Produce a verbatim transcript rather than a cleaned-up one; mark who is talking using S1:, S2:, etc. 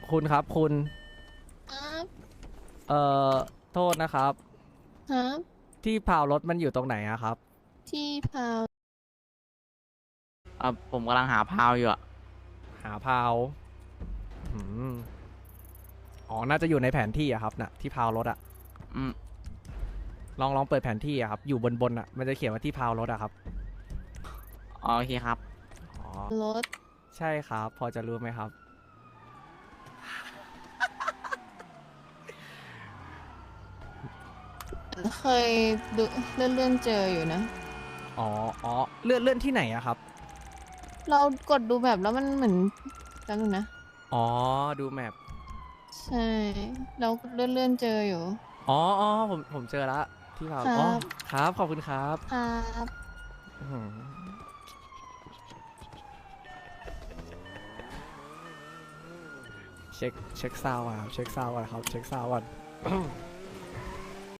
S1: คุณครับคุณ
S2: ครับ
S1: เอ่อโทษนะครับ
S2: ครับ
S1: ที่พาวรถมันอยู่ตรงไหนอะครับ
S2: ที่พาว
S3: เออผมกำลังหาพาวอยู่อะ
S1: หาพาวอืมอ๋อน่าจะอยู่ในแผนที่อะครับน่ะที่พาวรถอะ
S3: อืม
S1: ลองลองเปิดแผนที่อะครับอยู่บนบนอะมันจะเขียนว่าที่พาวรถอะครับ
S3: อ๋อโอเคครับ
S1: อ๋อ
S2: รถ
S1: ใช่ครับพอจะรู้ไหมครับ
S2: เคยดูเลื่อนเลื่อนเจออยู่นะ
S1: อ๋ออ๋อเลื่อนเลื่อนที่ไหนอะครับ
S2: เรากดดูแบบแล้วมันเหมือนจำนึงนะ
S1: อ๋อดูแมพ
S2: ใช่ เราเลื่อนเลื่อนเจออยู่
S1: อ๋ออ๋อผมผมเจอละที่พาว
S2: ครั
S1: อ๋อ
S2: บ
S1: ครับขอบคุณครับ
S2: ครับ
S1: อื้อหือเช็คเช็คซาวด์ก่อนครับเช็คซาวด์ก่อนครับเช็คซาวด์ก่อน